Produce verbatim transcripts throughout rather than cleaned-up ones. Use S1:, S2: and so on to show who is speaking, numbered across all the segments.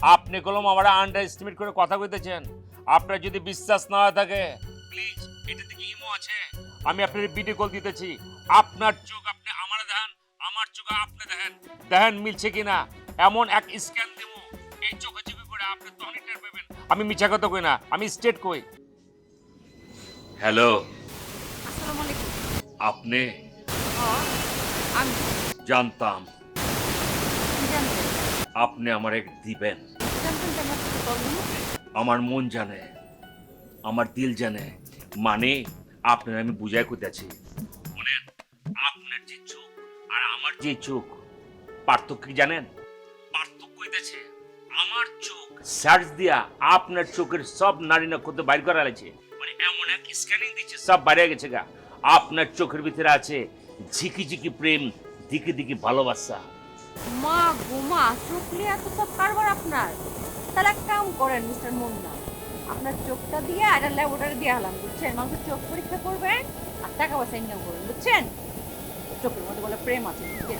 S1: আপনি কলম আমার আন্ডার এস্টিমেট করে কথা কইতেছেন। আপনার যদি বিশ্বাস না হয়ে থাকে প্লিজ এটা থেকে ইমো আছে, আমি আপনার ভিডিও কল দিতেছি। আপনার চোখ আপনি আমার দেখেন, আমার চোখ আপনি দেখেন, দেখেন মিলছে কিনা। এমন এক স্ক্যান দেব এই চোখে চোখে করে আপনি তখনই টের পাবেন আমি মিছা কথা কই না, আমি স্টেট কই। হ্যালো,
S2: আসসালামু আলাইকুম।
S1: আপনি?
S2: হ্যাঁ, আমি
S1: জানতাম
S2: কি জানতেন?
S1: আপনি আমার এক দিবেন।
S2: জানতেন যে আমার সাথে কল দিবো?
S1: আমার মন জানে, আমার দিল জানে, মানে আপনার আমি বুঝাই করতেছি। শুনেন, আপনার যে চোখ আর আমার যে চোখ পার্থক্য কি জানেন? পার্থক্য হইতেছে আমার চোখ সার্চ দিয়া আপনার চোখের সব নারী নক্ষত্র বাইর করা লাগছে, মানে এমন এক স্ক্যানিং দিচ্ছে সব বাইরে গেছে গা। আপনার চোখের ভিতরে আছে ঝিকি ঝিকি প্রেম, দিকে দিকে ভালোবাসা।
S2: মা গোমা চোখলে এত সব কারবার আপনার। তাহলে এক কাম করেন মিস্টার মুন্না, আপনার চোখটা দিয়ে আর ল্যাবরেটরি দিয়ে হলাম, বুঝছেন? মানুষের চোখ পরীক্ষা করবেন আর টাকা পয়সা ইনকাম করবেন, বুঝছেন? চোখের মধ্যে বলে প্রেম আছে, বুঝছেন?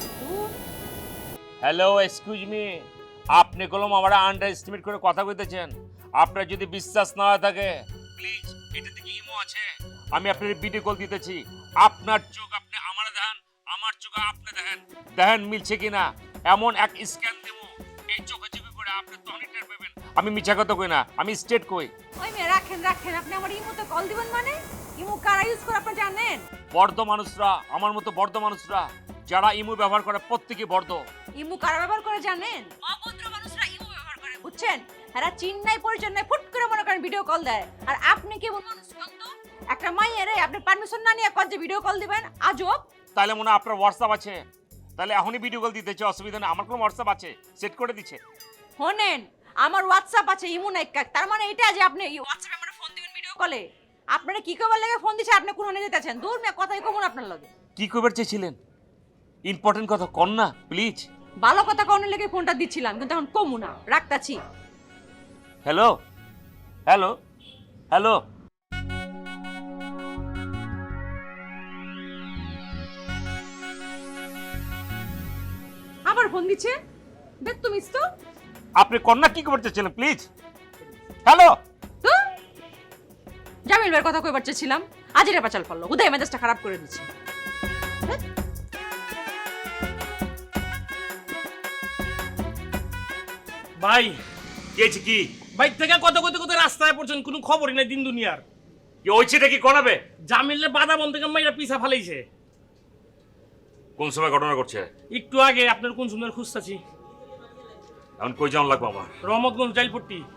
S1: হ্যালো, এক্সকিউজ মি, আপনি কলম আমার আন্ডার এস্টিমেট করে কথা কইতেছেন। আপনার যদি বিশ্বাস না হয়ে থাকে প্লিজ এটা থেকে ইমো আছে, আমি আপনার ভিডিও কল দিতেছি। আপনার চোখ আপনি আমার দেখেন, আমার চোখ আপনি দেখেন, দেখেন মিলছে কিনা। এমন এক স্ক্যান দেব এই চোখে চোখে করে আপনি তখনই টের পাবেন আমি মিছা কথা কই না, আমি স্টেট কই।
S2: ওই মেয়ে রাখেন রাখেন, আপনি আমার ইমোতে কল দিবেন মানে? ইমো কারা ইউজ করে আপনি জানেন?
S1: বর্ধ মানুষরা, আমার মতো বর্ধ মানুষরা যারা ইমো ব্যবহার করে প্রত্যেকে বর্ধ।
S2: ইমু কারা ব্যবহার করে জানেন? অভদ্র মানুষরা ইমু ব্যবহার করে, বুঝছেন? এরা চিন্নাই পরিচয় নাই, ফুট করে মনে করেন ভিডিও কল দেয়। আর আপনি কেমন মানুষ কোন তো? একটা মাইয়ের আপনি পারমিশন না নিয়ে কল যে ভিডিও কল দিবেন, আজব।
S1: তাহলে মনে হয় আপনার হোয়াটসঅ্যাপ আছে, তাহলে এখনই ভিডিও কল দিতেছে, অসুবিধা নেই। আমার কোনো হোয়াটসঅ্যাপ আছে, সেট করে দিচ্ছে।
S2: শোনেন, আমার হোয়াটসঅ্যাপ আছে, ইমু নাই কাক। তার মানে এটা যে আপনি হোয়াটসঅ্যাপে আমার ফোন দিবেন ভিডিও কলে। আপনারা কি কবার লাগে ফোন দিছে, আপনি কোন নিয়ে যেতেছেন? দূর মে কথাই কমন আপনার লগে।
S1: কি কইবার চেয়েছিলেন? ইম্পর্টেন্ট কথা কন না প্লিজ।
S2: ভালো কথা কোনের লেগে ফোনটা দিছিলাম, কিন্তু এখন কমু না, রাখতাছি।
S1: হ্যালো হ্যালো হ্যালো,
S2: আবার ফোন দিচ্ছে, দেখ তুমি তো
S1: আপনি কন্যা কি করতে চেয়েছিলেন প্লিজ? হ্যালো,
S2: তো জামিল ভাইয়ের কথা কইবার চেয়েছিলাম, আজের পাচাল পড়লো, উদয় মেজাজটা খারাপ করে দিচ্ছে।
S3: ভাই
S1: কি হয়েছে কি?
S3: বাইক থেকে কত কত কত রাস্তায় পড়ছেন, কোনো খবরই নাই দিন দুনিয়ার।
S1: কি হয়েছেটা কি কনাবে?
S3: জামিলের বাধা বন্ধ থেকে মাইরা পিছা ফালাইছে।
S1: কোন সময় ঘটনা ঘটছে?
S3: একটু আগে আপনার কোন সুন্দর খুঁজতাছি।
S1: এখন কই যাওয়ান লাগবো আমার?
S3: রহমতগঞ্জ জাইলপট্টি।